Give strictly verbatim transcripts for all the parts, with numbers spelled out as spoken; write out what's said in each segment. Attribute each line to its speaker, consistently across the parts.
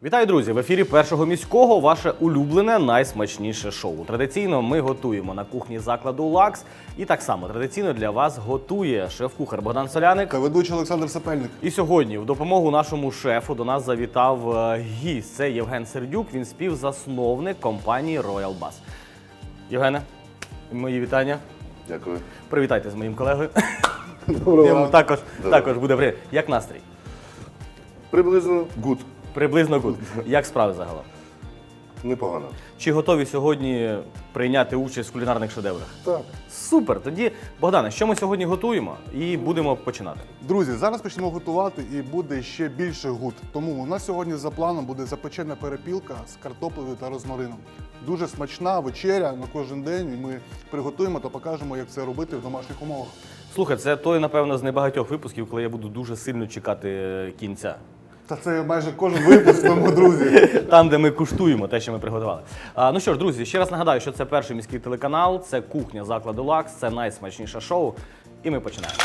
Speaker 1: Вітаю, друзі! В ефірі Першого міського ваше улюблене найсмачніше шоу. Традиційно ми готуємо на кухні закладу «Лакс». І так само традиційно для вас готує шеф-кухар Богдан Соляник
Speaker 2: та ведучий Олександр Сапельник.
Speaker 1: І сьогодні в допомогу нашому шефу до нас завітав е, гість. Це Євген Сердюк, він співзасновник компанії Royal Bus. Євгене, мої вітання.
Speaker 2: Дякую.
Speaker 1: Привітайте з моїм колегою.
Speaker 2: Доброго
Speaker 1: Йому
Speaker 2: ранку.
Speaker 1: також,
Speaker 2: Доброго.
Speaker 1: також буде привіт. Як настрій?
Speaker 2: Приблизно гуд.
Speaker 1: Приблизно гуд. Як справи загалом?
Speaker 2: Непогано.
Speaker 1: Чи готові сьогодні прийняти участь в кулінарних шедеврах?
Speaker 2: Так.
Speaker 1: Супер! Тоді, Богдане, що ми сьогодні готуємо? І будемо починати.
Speaker 2: Друзі, зараз почнемо готувати і буде ще більше гуд. Тому у нас сьогодні за планом буде запечена перепілка з картоплею та розмарином. Дуже смачна вечеря на кожен день. І ми приготуємо та покажемо, як це робити в домашніх умовах.
Speaker 1: Слухай, це той, напевно, з небагатьох випусків, коли я буду дуже сильно чекати е, кінця.
Speaker 2: Та це майже кожен випуск, тому, друзі.
Speaker 1: Там, де ми куштуємо те, що ми приготували. А, ну що ж, друзі, ще раз нагадаю, що це перший міський телеканал, це кухня закладу «Лакс», це найсмачніше шоу. І ми починаємо.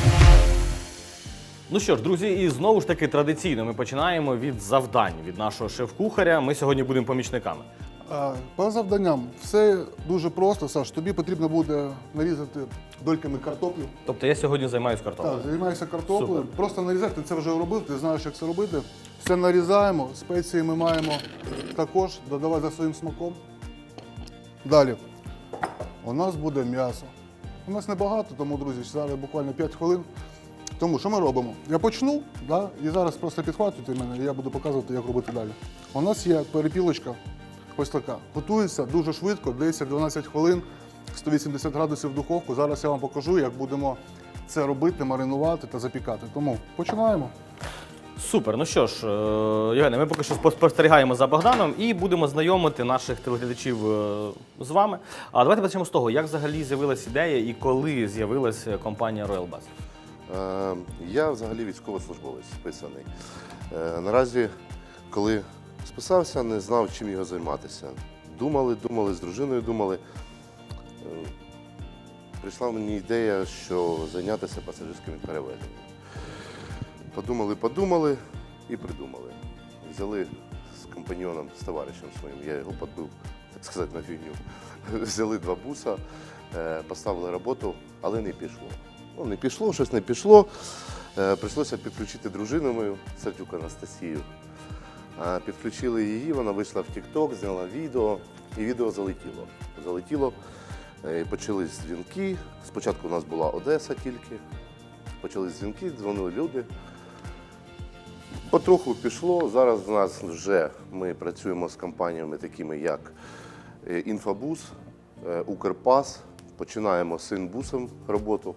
Speaker 1: Ну що ж, друзі, і знову ж таки традиційно ми починаємо від завдань від нашого шеф-кухаря. Ми сьогодні будемо помічниками.
Speaker 2: А, По завданням все дуже просто, Саш. Тобі потрібно буде нарізати дольками картоплю.
Speaker 1: Тобто я сьогодні займаюся картоплею.
Speaker 2: Так, займайся картоплею.
Speaker 1: Супер.
Speaker 2: Просто нарізати, ти це вже робив, ти знаєш, як це робити. Все нарізаємо, спеції ми маємо також додавати за своїм смаком. Далі. У нас буде м'ясо. У нас небагато, тому, друзі, зараз буквально п'ять хвилин. Тому що ми робимо? Я почну, да, і зараз просто підхватуйте мене, і я буду показувати, як робити далі. У нас є перепілочка, ось така. Готується дуже швидко, десять-дванадцять хвилин, сто вісімдесят градусів в духовку. Зараз я вам покажу, як будемо це робити, маринувати та запікати. Тому починаємо.
Speaker 1: Супер. Ну що ж, е, Євгене, ми поки що спостерігаємо за Богданом і будемо знайомити наших телеглядачів е, з вами. А давайте почнемо з того, як взагалі з'явилася ідея і коли з'явилася компанія Royal Bus?
Speaker 3: Е, Я взагалі військовослужбовець списаний. Е, Наразі, коли списався, не знав, чим його займатися. Думали, думали, з дружиною думали. Е, Прийшла мені ідея, що зайнятися пасажирськими перевезеннями. Подумали, подумали і придумали. Взяли з компаньйоном, з товаришем своїм, я його підбив, так сказати, на фігню. Взяли два буса, е, поставили роботу, але не пішло. Ну, не пішло, щось не пішло. Е, Прийшлося підключити дружину мою, Сердюк Анастасію. Е, Підключили її, вона вийшла в TikTok, зняла відео, і відео залетіло. Залетіло, е, почались дзвінки. Спочатку у нас була Одеса тільки. Почались дзвінки, дзвонили люди. Потроху пішло. Зараз у нас вже ми працюємо з компаніями такими, як е, Інфобус, е, Укрпас. Починаємо з Синбусом роботу.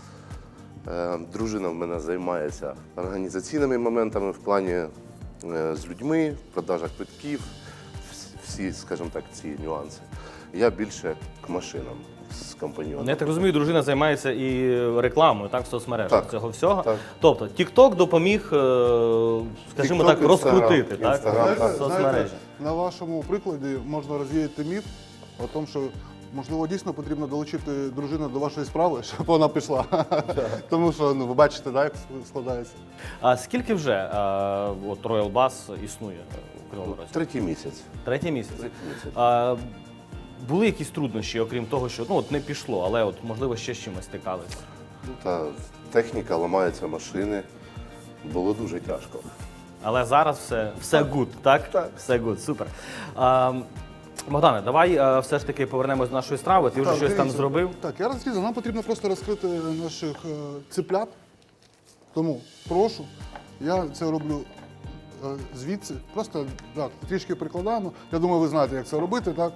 Speaker 3: Е, Дружина в мене займається організаційними моментами в плані е, з людьми, продажа квитків, вс- всі, скажімо так, ці нюанси. Я більше к машинам з компаньйоном.
Speaker 1: Я так розумію, дружина займається і рекламою, так, в соцмережах
Speaker 3: Так.
Speaker 1: цього всього.
Speaker 3: Так.
Speaker 1: Тобто TikTok допоміг, е, скажімо
Speaker 3: TikTok,
Speaker 1: так,
Speaker 3: Instagram,
Speaker 1: розкрутити так,
Speaker 3: Instagram, так.
Speaker 1: соцмережі.
Speaker 2: на вашому прикладі можна розвіяти міф о тому, що можливо дійсно потрібно долучити дружину до вашої справи, щоб вона пішла. Тому що, ну, ви бачите, да, як складається.
Speaker 1: А скільки вже е, от Royal Bus існує у Кривому Розі?
Speaker 3: Третій місяць.
Speaker 1: Третій місяць.
Speaker 3: Третій місяць.
Speaker 1: А, були якісь труднощі, окрім того, що ну от не пішло, але от можливо ще з чимось стикалися?
Speaker 3: Та техніка, ламаються машини. Було дуже тяжко.
Speaker 1: Але зараз все, все good, так?
Speaker 3: Так.
Speaker 1: Все good, супер. А, Богдане, давай а, все ж таки повернемось до нашої страви. Ти вже
Speaker 2: Так,
Speaker 1: щось там
Speaker 2: дивіться.
Speaker 1: зробив.
Speaker 2: Так, я розрізав. Нам потрібно просто розкрити наших е, циплят. Тому прошу, я це роблю е, звідси. Просто так, трішки прикладаємо. Я думаю, ви знаєте, як це робити, так?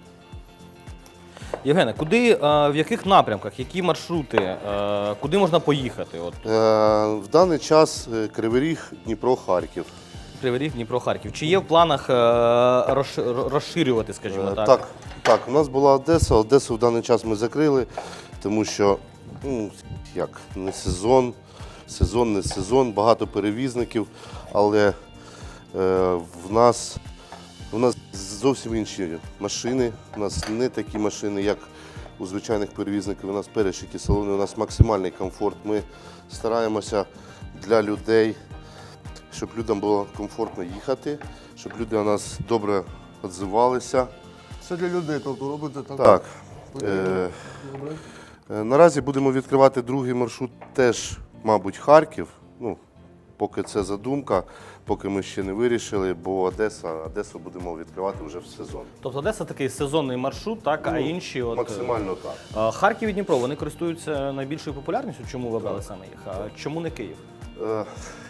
Speaker 1: Євгене, куди, а, в яких напрямках, які маршрути, а, куди можна поїхати? От
Speaker 3: Е, В даний час е, Кривий Ріг, Дніпро, Харків.
Speaker 1: Кривий Ріг, Дніпро, Харків. Чи є в планах е, розши- розширювати, скажімо
Speaker 3: Е,
Speaker 1: так?
Speaker 3: Так, так, у нас була Одеса. Одесу в даний час ми закрили, тому що ну, як, не сезон, сезон, не сезон, багато перевізників, але е, в нас, у нас зовсім інші машини, у нас не такі машини, як у звичайних перевізників, у нас перешиті салони, у нас максимальний комфорт. Ми стараємося для людей, щоб людям було комфортно їхати, щоб люди о нас добре відзивалися.
Speaker 2: Все для людей, тобто робите так.
Speaker 3: Так.
Speaker 2: Потрібно.
Speaker 3: Е,
Speaker 2: Добре.
Speaker 3: е, наразі будемо відкривати другий маршрут, теж, мабуть, Харків. Ну, поки це задумка, поки ми ще не вирішили, бо Одеса, Одесу будемо відкривати вже в сезон.
Speaker 1: Тобто Одеса такий сезонний маршрут, так, а інші от.
Speaker 3: Максимально так.
Speaker 1: е, Харків і Дніпро, вони користуються найбільшою популярністю. Чому ви обрали саме їх? А чому не Київ?
Speaker 3: Е,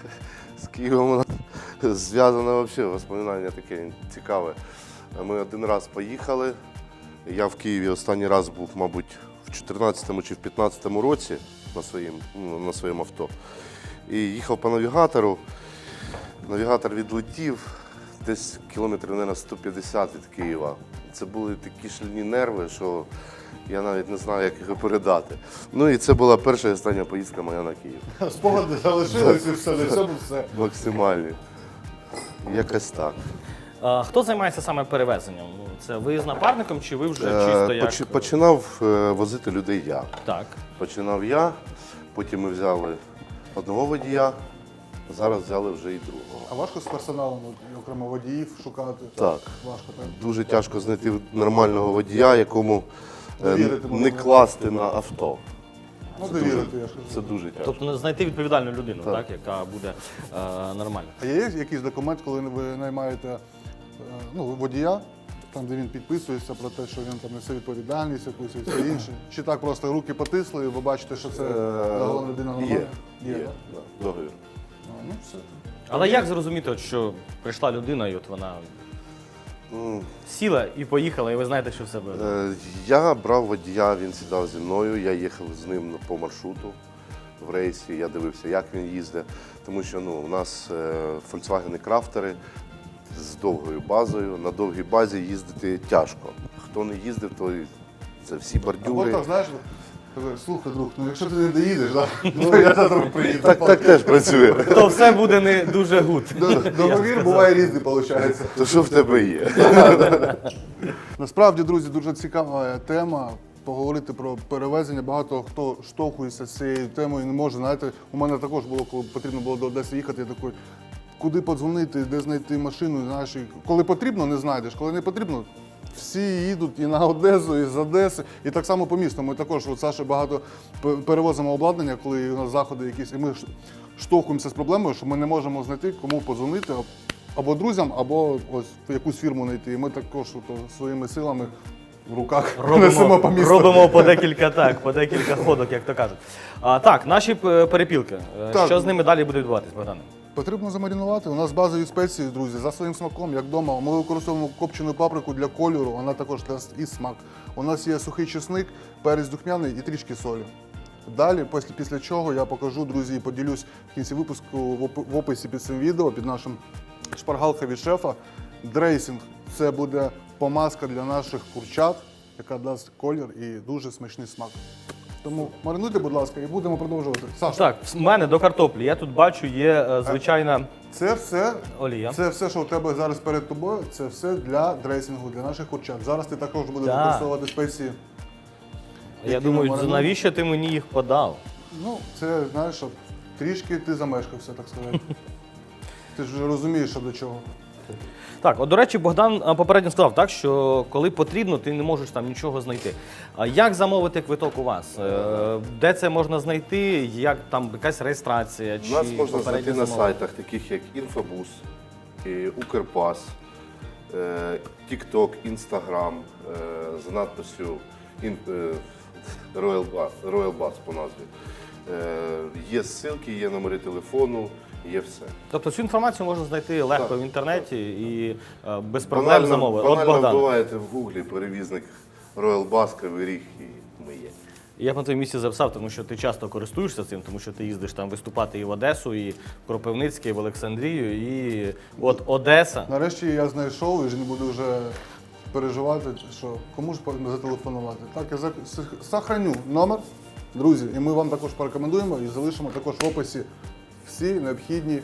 Speaker 3: З Києвом у нас зв'язане взагалі воспоминання таке цікаве. Ми один раз поїхали. Я в Києві останній раз був, мабуть, в чотирнадцятому чи в п'ятнадцятому році на своїм, ну, на своєму авто. І їхав по навігатору. Навігатор відлетів десь кілометрів, мабуть, сто п'ятдесят від Києва. Це були такі шалені нерви, що я навіть не знаю, як їх передати. Ну і це була перша і остання поїздка моя на Київ.
Speaker 2: Спогади залишилися і все, на цьому все.
Speaker 3: Максимальні. Якось так.
Speaker 1: А, хто займається саме перевезенням? Ну, це ви з напарником чи ви вже
Speaker 3: Е,
Speaker 1: чисто як?
Speaker 3: поч- Починав е, возити людей я.
Speaker 1: Так.
Speaker 3: Починав я, потім ми взяли одного водія, зараз взяли вже і другого.
Speaker 2: А важко з персоналом, от, окремо водіїв шукати?
Speaker 3: Так.
Speaker 2: Важко, так?
Speaker 3: Дуже тяжко знайти нормального водія, якому е,
Speaker 2: Довірити
Speaker 3: не
Speaker 2: можна.
Speaker 3: класти на авто.
Speaker 2: Ну, довірити, я ж кажу.
Speaker 3: Це дуже тяжко.
Speaker 1: Тобто знайти відповідальну людину, так,
Speaker 3: Так.
Speaker 1: яка буде е, нормальна.
Speaker 2: А є якийсь документ, коли ви наймаєте е, ну, водія, там, де він підписується про те, що він там несе відповідальність якусь і все інше? Чи так просто руки потисли, і ви бачите, що це головна людина нормальна?
Speaker 3: Є, є,
Speaker 2: так?
Speaker 3: да, договір.
Speaker 2: А, ну, все.
Speaker 1: Але як зрозуміти, от, що прийшла людина і от вона
Speaker 3: Ну,
Speaker 1: сіла і поїхала, і ви знаєте, що все буде?
Speaker 3: Е, Я брав водія, він сідав зі мною, я їхав з ним по маршруту в рейсі, я дивився, як він їздить. Тому що ну, у нас е, Volkswagen крафтери з довгою базою. На довгій базі їздити тяжко. Хто не їздив, то це всі
Speaker 2: Або
Speaker 3: бордюри.
Speaker 2: так, знаєш, каже, слухай, друг, ну якщо ти не доїдеш, да, то я завтра приїду.
Speaker 3: Так, так теж працює.
Speaker 1: То все буде не дуже гуд.
Speaker 2: Договір буває різний, виходить.
Speaker 3: То що в тебе є?
Speaker 2: Насправді, друзі, дуже цікава тема. Поговорити про перевезення. Багато хто штовхується з цією темою і не може. Знаєте, у мене також було, коли потрібно було до Одеси їхати, я такий, куди подзвонити, де знайти машину. Знаєш, і коли потрібно, не знайдеш. Коли не потрібно, всі їдуть і на Одесу, і з Одеси. І так само по місту. Ми також, от Саша, багато п- перевозимо обладнання, коли у нас заходи якісь, і ми ш- штовхуємося з проблемою, що ми не можемо знайти, кому подзвонити. Або друзям, або ось в якусь фірму знайти. І ми також от, своїми силами в руках несемо
Speaker 1: Робимо,
Speaker 2: по місту.
Speaker 1: робимо по декілька так, по декілька ходок, як то кажуть. А, так, наші п- перепілки. Е,
Speaker 2: Так.
Speaker 1: Що з ними далі буде відбуватись, Богдане?
Speaker 2: Потрібно замаринувати. У нас базові спеції, друзі, за своїм смаком, як вдома. Ми використовуємо копчену паприку для кольору, вона також дасть і смак. У нас є сухий чесник, перець духмяний і трішки солі. Далі, після, після чого я покажу, друзі, і поділюсь в кінці випуску в оп- в описі під цим відео, під нашим шпаргалка від шефа. Дрейсинг – це буде помазка для наших курчат, яка дасть колір і дуже смачний смак. Тому маринуйте, будь ласка, і будемо продовжувати. Саша,
Speaker 1: Так, в мене до картоплі. Я тут бачу, є е, звичайна
Speaker 2: це все
Speaker 1: олія.
Speaker 2: Це все, що у тебе зараз перед тобою, це все для дресінгу, для наших курчат. Зараз ти також будеш
Speaker 1: Так.
Speaker 2: використовувати спеції.
Speaker 1: Я
Speaker 2: які
Speaker 1: думаю,
Speaker 2: ми маринуємо.
Speaker 1: навіщо ти мені їх подав?
Speaker 2: Ну, це, знаєш, щоб трішки ти замешкався, так сказати. Ти ж вже розумієш, що до чого.
Speaker 1: Так, от, до речі, Богдан а, попередньо сказав, так, що коли потрібно, ти не можеш там нічого знайти. А як замовити квиток у вас? Е, Де це можна знайти? Як там якась реєстрація? Чи
Speaker 3: Нас можна
Speaker 1: попереднє
Speaker 3: знайти на
Speaker 1: замовлення?
Speaker 3: сайтах, таких як Інфобус, і Укрпас, е, TikTok, Instagram е, за надписю ін- е, Royal Bus, Royal Bus по назві. Е, Є ссылки, є номери телефону, є все.
Speaker 1: Тобто цю інформацію можна знайти легко
Speaker 3: Так,
Speaker 1: в інтернеті і е, без проблем замовити. От
Speaker 3: банально
Speaker 1: Богдан.
Speaker 3: вбиваєте в гуглі перевізник Royal Bus, Кривий Ріг, і ми є.
Speaker 1: Я б на твоєму місці записав, тому що ти часто користуєшся цим, тому що ти їздиш там виступати і в Одесу, і в Кропивницьке, і в Олександрію, і от Одеса.
Speaker 2: Нарешті я знайшов і вже не буду вже переживати, що кому ж зателефонувати. Так, я зак- с- сохраню номер, друзі, і ми вам також порекомендуємо і залишимо також в описі всі необхідні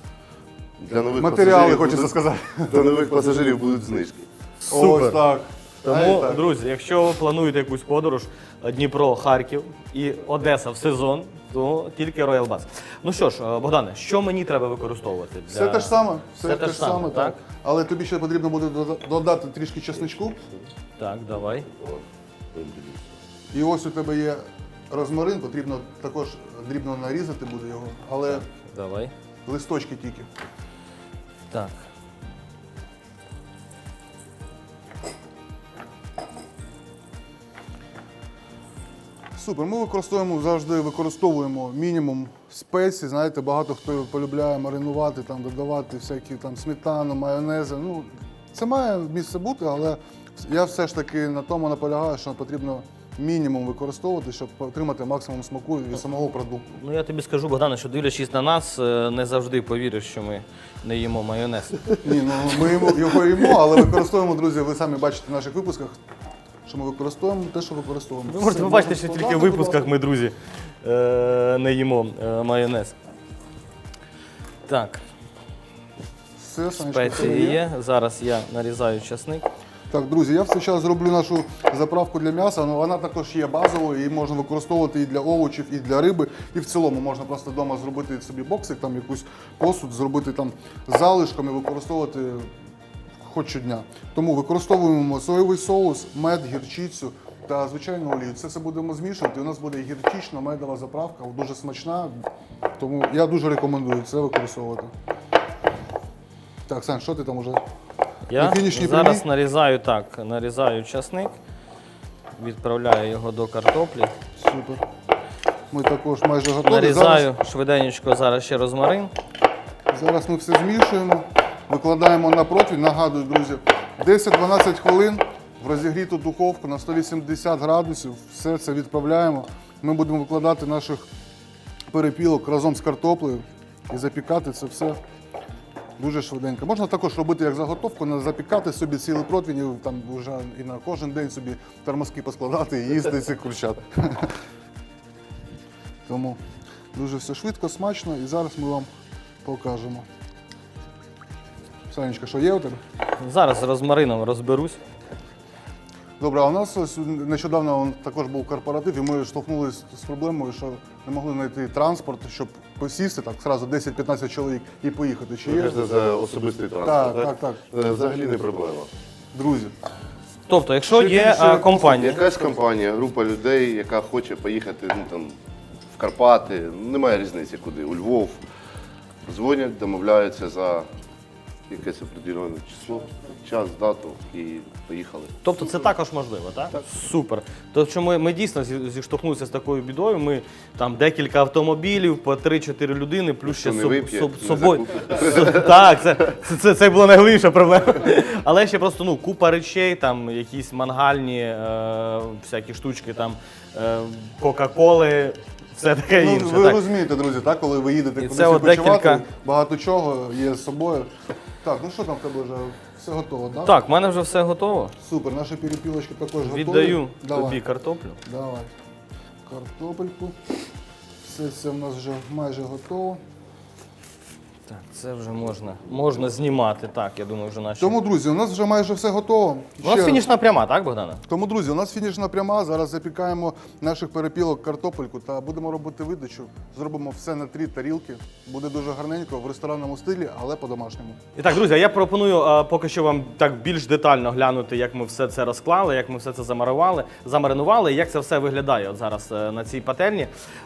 Speaker 3: Для нових
Speaker 2: матеріали,
Speaker 3: пасажирів
Speaker 2: хочеться
Speaker 3: будуть-
Speaker 2: сказати.
Speaker 3: Для нових пасажирів будуть знижки.
Speaker 1: Супер.
Speaker 2: Ось так.
Speaker 1: Тому,
Speaker 2: А, так.
Speaker 1: друзі, якщо ви плануєте якусь подорож Дніпро, Харків і Одеса в сезон, то тільки Royal Bass. Ну що ж, Богдане, що мені треба використовувати? Для...
Speaker 2: Все те ж саме, все,
Speaker 1: Все
Speaker 2: те ж саме, так.
Speaker 1: так?
Speaker 2: Але тобі ще потрібно буде дода- додати трішки чесничку.
Speaker 1: Так, давай.
Speaker 2: І ось у тебе є розмарин, потрібно також дрібно нарізати буде його, але
Speaker 1: Давай.
Speaker 2: листочки тільки.
Speaker 1: Так.
Speaker 2: Супер. Ми використовуємо завжди використовуємо мінімум спецій. Знаєте, багато хто полюбляє маринувати, там додавати всякі там сметану, майонези. Ну, це має місце бути, але я все ж таки на тому наполягаю, що потрібно мінімум використовувати, щоб отримати максимум смаку від самого продукту.
Speaker 1: Ну я тобі скажу, Богдане, що дивлячись на нас, е, не завжди повіриш, що ми не їмо майонез.
Speaker 2: Ні, ну ми йому- його їмо, але використовуємо, друзі, ви самі бачите в наших випусках, що ми використовуємо те, що використовуємо.
Speaker 1: Ви можете
Speaker 2: Все,
Speaker 1: побачити,
Speaker 2: можна
Speaker 1: що тільки в
Speaker 2: складати, будь
Speaker 1: випусках
Speaker 2: ласка.
Speaker 1: ми, друзі, е, не їмо е, майонез. Так,
Speaker 2: Все, Санечка, все
Speaker 1: спеції є. Зараз я нарізаю часник.
Speaker 2: Так, друзі, я в цей час зроблю нашу заправку для м'яса, але вона також є базовою, її можна використовувати і для овочів, і для риби. І в цілому можна просто вдома зробити собі боксик, там якусь посуд, зробити там залишком і використовувати хоч щодня. Тому використовуємо соєвий соус, мед, гірчицю та звичайну олію. Це все будемо змішувати. У нас буде гірчична медова заправка, дуже смачна. Тому я дуже рекомендую це використовувати. Так, Сань, що ти там уже?
Speaker 1: Я
Speaker 2: На фінішній
Speaker 1: зараз
Speaker 2: прямій?
Speaker 1: нарізаю так, нарізаю часник, відправляю його до картоплі.
Speaker 2: Супер. Ми також майже готові.
Speaker 1: Нарізаю швиденько зараз ще розмарин.
Speaker 2: Зараз, зараз ми все змішуємо, викладаємо на противень. Нагадую, друзі, десять-дванадцять хвилин в розігріту духовку на сто вісімдесят градусів. Все це відправляємо. Ми будемо викладати наших перепілок разом з картоплею і запікати це все дуже швиденько. Можна також робити як заготовку, не запікати собі цілий противень, і там вже і на кожен день собі термоски поскладати і їсти цих курчат. Тому дуже все швидко, смачно, і зараз ми вам покажемо. Санечка, що є у тебе?
Speaker 1: Зараз з розмарином розберусь.
Speaker 2: Добре, а у нас ось нещодавно он також був корпоратив, і ми штовхнулися з проблемою, що не могли знайти транспорт, щоб посісти так зразу десять-п'ятнадцять чоловік і поїхати. Чи є?
Speaker 3: Це за особистий
Speaker 2: Так,
Speaker 3: транспорт,
Speaker 2: так, так.
Speaker 3: Е, Взагалі не проблема.
Speaker 2: Друзі,
Speaker 1: Тобто, якщо
Speaker 2: Ще
Speaker 1: є
Speaker 2: більше
Speaker 1: е, компанія,
Speaker 3: Якась компанія, група людей, яка хоче поїхати ну, там, в Карпати, немає різниці куди, у Львов, дзвонять, домовляються за якесь определене число, час, дату і поїхали.
Speaker 1: тобто це також можливо, так? Так. Супер. Тобто що ми, ми дійсно зі- зіштовхнулися з такою бідою. Ми там декілька автомобілів, по три-чотири людини, плюс ще
Speaker 3: не
Speaker 1: соб-
Speaker 3: вип'є,
Speaker 1: соб-
Speaker 3: не
Speaker 1: собою. С- Так, це, це, це, це була найголовніша проблема. Але ще просто ну, купа речей, там якісь мангальні е, всякі штучки, там е, Кока-Коли, все таке
Speaker 2: ну,
Speaker 1: інше.
Speaker 2: ви
Speaker 1: так.
Speaker 2: розумієте, друзі, так, коли ви їдете
Speaker 1: І
Speaker 2: кудись
Speaker 1: це от
Speaker 2: відпочивати,
Speaker 1: декілька-
Speaker 2: багато чого є з собою. Так, ну що там в тебе вже все готово, так?
Speaker 1: Так, в мене вже все готово.
Speaker 2: Супер, наші перепілочки також готові.
Speaker 1: Віддаю
Speaker 2: Давай.
Speaker 1: тобі картоплю.
Speaker 2: Давай. Картопельку. Все це в нас вже майже готово.
Speaker 1: Так, це вже можна, можна знімати. Так, я думаю, вже наші.
Speaker 2: Тому, друзі, у нас вже майже все готово.
Speaker 1: У нас
Speaker 2: Ще-
Speaker 1: фінішна пряма, так, Богдана?
Speaker 2: Тому, друзі, у нас фінішна пряма. Зараз запікаємо наших перепілок картопельку та будемо робити видачу. Зробимо все на три тарілки. Буде дуже гарненько в ресторанному стилі, але по-домашньому.
Speaker 1: І так, друзі, я пропоную а, поки що вам так більш детально глянути, як ми все це розклали, як ми все це замарували, замаринували, і як це все виглядає от зараз е, на цій пательні.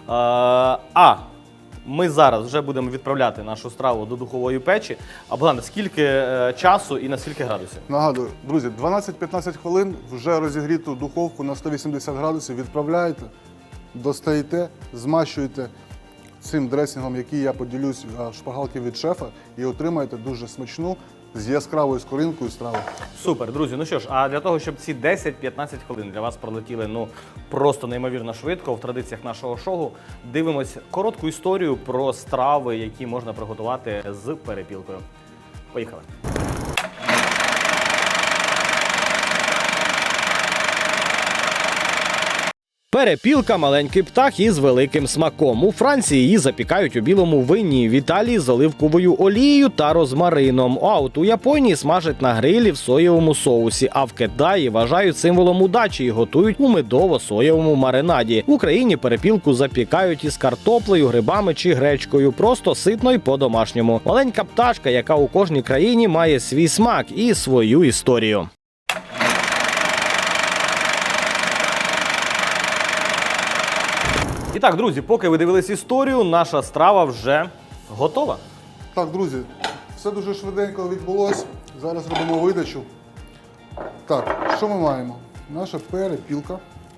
Speaker 1: А, а ми зараз вже будемо відправляти нашу страву до духової печі. А Богдане, скільки е, часу і на скільки градусів?
Speaker 2: Нагадую, друзі, дванадцять-п'ятнадцять хвилин вже розігріту духовку на сто вісімдесят градусів відправляєте, достаєте, змащуєте цим дресингом, який я поділюсь а, в шпаргалки від шефа, і отримаєте дуже смачну з яскравою скоринкою страву.
Speaker 1: Супер, друзі. Ну що ж, а для того, щоб ці десять-п'ятнадцять хвилин для вас пролетіли ну просто неймовірно швидко в традиціях нашого шоу, дивимось коротку історію про страви, які можна приготувати з перепілкою. Поїхали. Перепілка – маленький птах із великим смаком. У Франції її запікають у білому вині, в Італії – з оливковою олією та розмарином. А от у Японії смажать на грилі в соєвому соусі, а в Китаї вважають символом удачі і готують у медово-соєвому маринаді. В Україні перепілку запікають із картоплею, грибами чи гречкою, просто ситно й по-домашньому. Маленька пташка, яка у кожній країні має свій смак і свою історію. І так, друзі, поки ви дивились історію, наша страва вже готова.
Speaker 2: Так, друзі, все дуже швиденько відбулося. Зараз робимо видачу. Так, що ми маємо? Наша перепілка.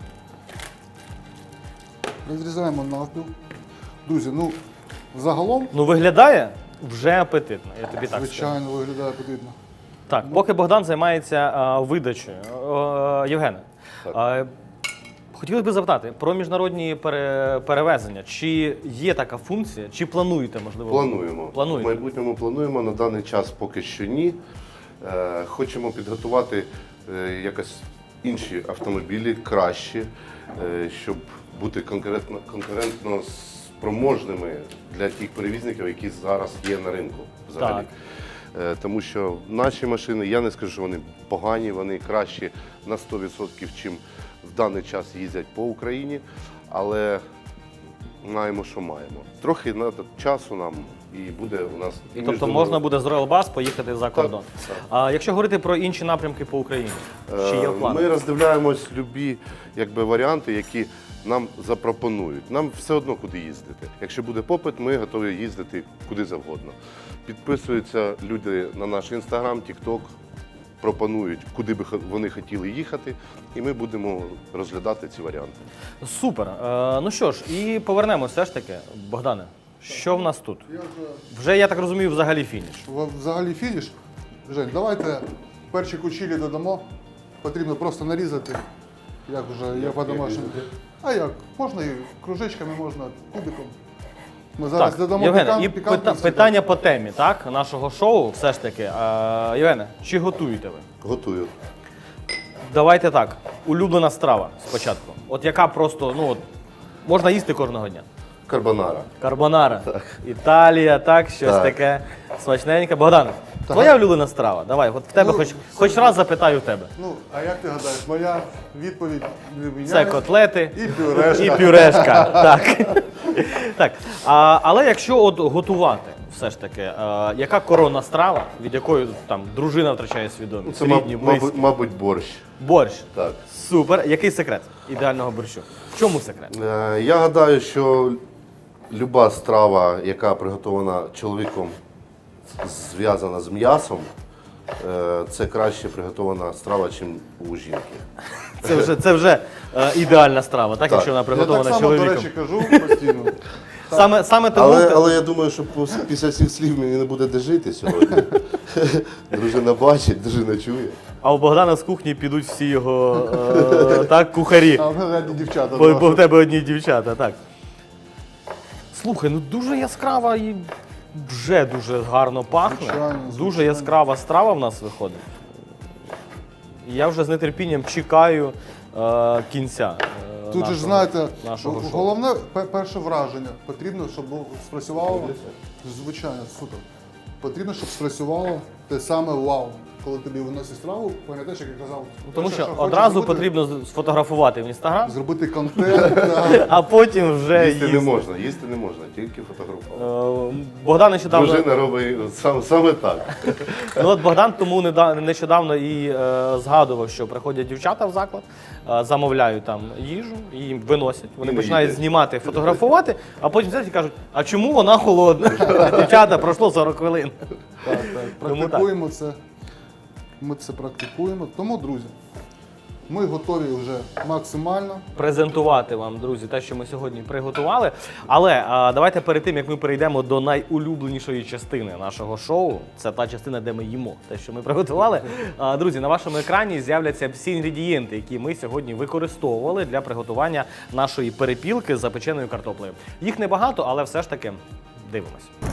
Speaker 2: Розрізаємо навпіл. Друзі, ну, загалом,
Speaker 1: Ну, виглядає вже апетитно, я тобі так скажу.
Speaker 2: звичайно, виглядає апетитно.
Speaker 1: Так, поки Богдан займається а, видачею. Е, Євгене, а, хотілося б запитати про міжнародні пере, перевезення. Чи є така функція, чи плануєте, можливо?
Speaker 3: Плануємо.
Speaker 1: Плануєте?
Speaker 3: В майбутньому плануємо, на даний час поки що ні. Е, Хочемо підготувати е, якось інші автомобілі кращі, е, щоб бути конкурентно, конкурентно спроможними для тих перевізників, які зараз є на ринку взагалі.
Speaker 1: Так.
Speaker 3: Е, Тому що наші машини, я не скажу, що вони погані, вони кращі на сто відсотків, чим в даний час їздять по Україні, але маємо, що маємо. Трохи надо часу нам і буде у нас. І
Speaker 1: Тобто
Speaker 3: міжнародний-
Speaker 1: можна буде з Royal Bus поїхати за кордон.
Speaker 3: так.
Speaker 1: А якщо говорити про інші напрямки по Україні, чи є в
Speaker 3: Е,
Speaker 1: планах?
Speaker 3: Ми роздивляємось любі якби, варіанти, які нам запропонують. Нам все одно куди їздити. Якщо буде попит, ми готові їздити куди завгодно. Підписуються люди на наш інстаграм, тікток, пропонують, куди би хо- вони хотіли їхати, і ми будемо розглядати ці варіанти.
Speaker 1: Супер. Е, ну що ж, і повернемося все ж таки. Богдане, що в нас тут?
Speaker 2: Я вже
Speaker 1: Вже, я так розумію, взагалі фініш.
Speaker 2: в- взагалі фініш. Жень, давайте перші кучілі додамо. Потрібно просто нарізати, як вже я по-домашньому. А як? Можна і кружечками, можна кубиком. Ми зараз
Speaker 1: Так,
Speaker 2: додамо
Speaker 1: Євгене,
Speaker 2: пікант-
Speaker 1: і
Speaker 2: пікантності.
Speaker 1: пита- питання по темі, так, нашого шоу все ж таки. Е, Євгене, чи готуєте ви?
Speaker 3: Готую.
Speaker 1: Давайте так, улюблена страва спочатку. От яка просто, ну от, можна їсти кожного дня.
Speaker 3: Карбонара.
Speaker 1: Карбонара. Італія, так, щось
Speaker 3: Так.
Speaker 1: таке смачненьке. Богдан, твоя улюблена страва? Давай, от в тебе
Speaker 2: Ну,
Speaker 1: хоч, хоч раз запитаю в тебе.
Speaker 2: Ну, а як ти гадаєш, моя відповідь не міняється.
Speaker 1: Це котлети
Speaker 2: І пюрешка.
Speaker 1: і пюрешка. Так. Так. А, але якщо от готувати, все ж таки, а, яка коронна страва, від якої там дружина втрачає свідомість?
Speaker 3: Це,
Speaker 1: Рідні,
Speaker 3: маб-
Speaker 1: близькі?
Speaker 3: мабуть, мабуть, борщ.
Speaker 1: Борщ.
Speaker 3: Так.
Speaker 1: Супер. Який секрет ідеального борщу? В чому секрет?
Speaker 3: Е, Я гадаю, що люба страва, яка приготована чоловіком, зв'язана з м'ясом, е, це краще приготована страва, ніж у жінки.
Speaker 1: Це вже, це вже е, ідеальна страва, так, якщо вона
Speaker 2: Я так
Speaker 1: приготована
Speaker 2: само, до
Speaker 1: чоловіком.
Speaker 2: речі, кажу постійно.
Speaker 1: Саме, саме тому.
Speaker 3: Але,
Speaker 1: ти-
Speaker 3: але я думаю, що пос- після цих слів мені не буде де жити сьогодні. Дружина бачить, дружина чує.
Speaker 1: А у Богдана з кухні підуть всі його е, так, кухарі.
Speaker 2: А в мене одні дівчата.
Speaker 1: Бо,
Speaker 2: два.
Speaker 1: бо в тебе одні дівчата, так. Слухай, ну дуже яскрава і вже дуже гарно пахне.
Speaker 2: Звичайно,
Speaker 1: Дуже
Speaker 2: звичайно.
Speaker 1: яскрава страва в нас виходить. І я вже з нетерпінням чекаю е, кінця. е,
Speaker 2: Тут же ж,
Speaker 1: нашого-
Speaker 2: знаєте,
Speaker 1: нашого шоу.
Speaker 2: головне пе- перше враження. Потрібно, щоб був- спрацювало. Звичайно, супер. Потрібно, щоб спрацювало те саме вау. Коли тобі виносять страву, пам'ятаєш, як я казав,
Speaker 1: Тому
Speaker 2: перше,
Speaker 1: що
Speaker 2: хочеш
Speaker 1: одразу
Speaker 2: зробити,
Speaker 1: потрібно з- сфотографувати в інстаграм,
Speaker 2: зробити контент. да.
Speaker 1: а потім вже
Speaker 3: Їсти не
Speaker 1: їсти.
Speaker 3: можна, їсти не можна, тільки фотографувати.
Speaker 1: Е, Богдан нещодавно.
Speaker 3: Дружина робить сам, саме так.
Speaker 1: Ну от Богдан тому неда- нещодавно і е, згадував, що приходять дівчата в заклад, е, замовляють там їжу, і їм виносять. Вони
Speaker 3: І не
Speaker 1: починають
Speaker 3: їдять.
Speaker 1: знімати, фотографувати, а потім сидять і кажуть, а чому вона холодна? Дівчата, пройшло сорок хвилин.
Speaker 2: Так, так.
Speaker 1: Тому так.
Speaker 2: Практикуємо це. Ми це практикуємо. Тому, друзі, ми готові вже максимально.
Speaker 1: Презентувати вам, друзі, те, що ми сьогодні приготували. Але а, давайте перед тим, як ми перейдемо до найулюбленішої частини нашого шоу, це та частина, де ми їмо те, що ми приготували. А, друзі, на вашому екрані з'являться всі інгредієнти, які ми сьогодні використовували для приготування нашої перепілки з запеченою картоплею. Їх небагато, але все ж таки дивимось.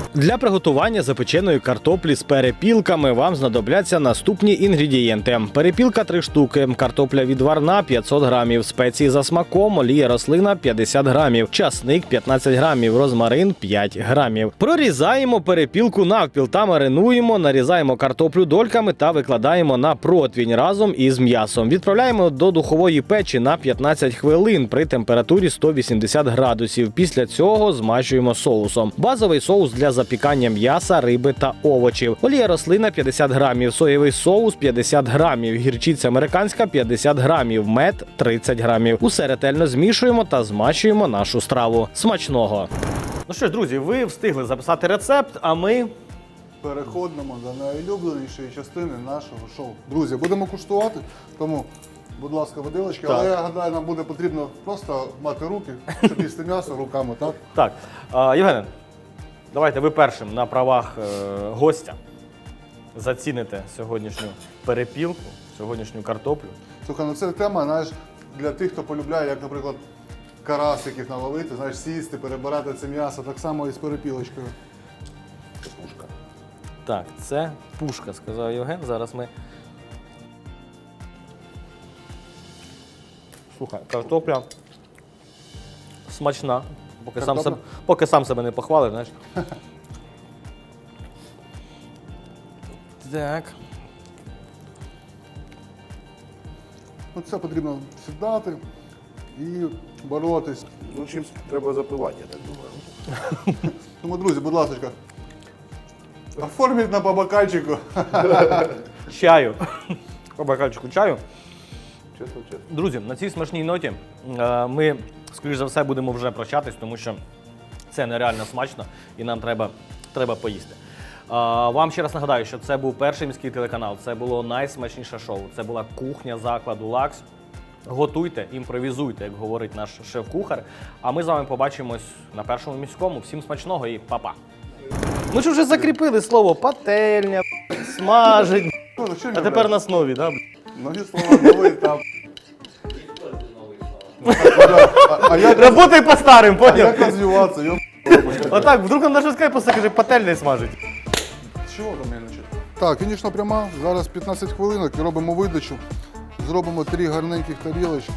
Speaker 1: Для приготування запеченої картоплі з перепілками вам знадобляться наступні інгредієнти. Перепілка три штуки, картопля відварна п'ятсот грамів, спеції за смаком, олія рослина п'ятдесят грамів, часник п'ятнадцять грамів, розмарин п'ять грамів. Прорізаємо перепілку навпіл та маринуємо, нарізаємо картоплю дольками та викладаємо на противень разом із м'ясом. Відправляємо до духової печі на п'ятнадцять хвилин при температурі сто вісімдесят градусів. Після цього змащуємо соусом. Базовий соус для запікання м'яса, риби та овочів. Олія рослина п'ятдесят грамів, соєвий соус п'ятдесят грамів, гірчиця американська п'ятдесят грамів, мед тридцять грамів. Усе ретельно змішуємо та змащуємо нашу страву. Смачного! Ну що ж, друзі, ви встигли записати рецепт, а ми...
Speaker 2: Переходимо до найулюбленішої частини нашого шоу. Друзі, будемо куштувати, тому, будь ласка, виделочки.
Speaker 1: Так.
Speaker 2: Але я гадаю, нам буде потрібно просто мати руки, щоб їсти м'ясо руками, так?
Speaker 1: Так, а, Євгене, давайте ви першим на правах е, гостя заціните сьогоднішню перепілку, сьогоднішню картоплю.
Speaker 2: Слухай, ну це тема, знаєш, для тих, хто полюбляє, як, наприклад, карасиків наловити, знаєш, сісти, перебирати це м'ясо, так само і з перепілочкою.
Speaker 3: Пушка.
Speaker 1: Так, це пушка, сказав Євген. Зараз ми. Слухай, картопля смачна. Поки сам,
Speaker 2: Картопля?
Speaker 1: себе, поки сам себе не похвалив, знаєш. Так.
Speaker 2: Ну, це потрібно сідати і боротись.
Speaker 3: Ну, чимось треба запивати, я так думаю.
Speaker 2: Тому, друзі, будь ласка, оформіть на по бокальчику.
Speaker 1: Чаю. По бокальчику чаю.
Speaker 3: Чесно, чесно.
Speaker 1: Друзі, на цій смачній ноті е, ми, скоріш за все, будемо вже прощатись, тому що це нереально смачно і нам треба, треба поїсти. Е, Вам ще раз нагадаю, що це був перший міський телеканал, це було найсмачніше шоу, це була кухня закладу «Лакс». Готуйте, імпровізуйте, як говорить наш шеф-кухар. А ми з вами побачимось на першому міському. Всім смачного і па-па. Ми ж вже закріпили слово пательня, смажить.
Speaker 2: Ну, що
Speaker 1: А
Speaker 2: мені,
Speaker 1: тепер
Speaker 2: блядь?
Speaker 1: на основі, так?
Speaker 2: Нові слова, новий етап. А, а як,
Speaker 1: Работай по старим,
Speaker 2: а
Speaker 1: поняв?
Speaker 2: як розвиватися? Йо...
Speaker 1: Отак, вдруг нам даже скайп просто каже, пательня смажить.
Speaker 2: Чого там я начать? Так, фінішна пряма. Зараз п'ятнадцять хвилинок і робимо видачу. Зробимо три гарненьких тарілочки.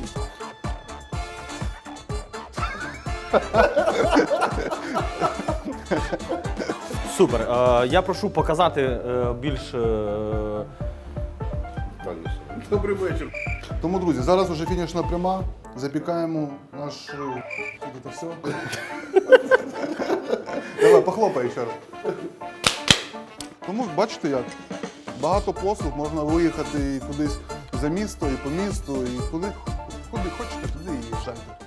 Speaker 1: Супер. Е, я прошу показати е, більш... Е,
Speaker 3: Дальніше. Добрий вечір.
Speaker 2: Тому, друзі, зараз вже фінішна пряма. Запікаємо наш... Це все. Давай, похлопай ще раз. Тому, бачите як, багато послуг, можна виїхати і кудись за місто, і по місту, і куди, куди хочете, туди і їжджайте.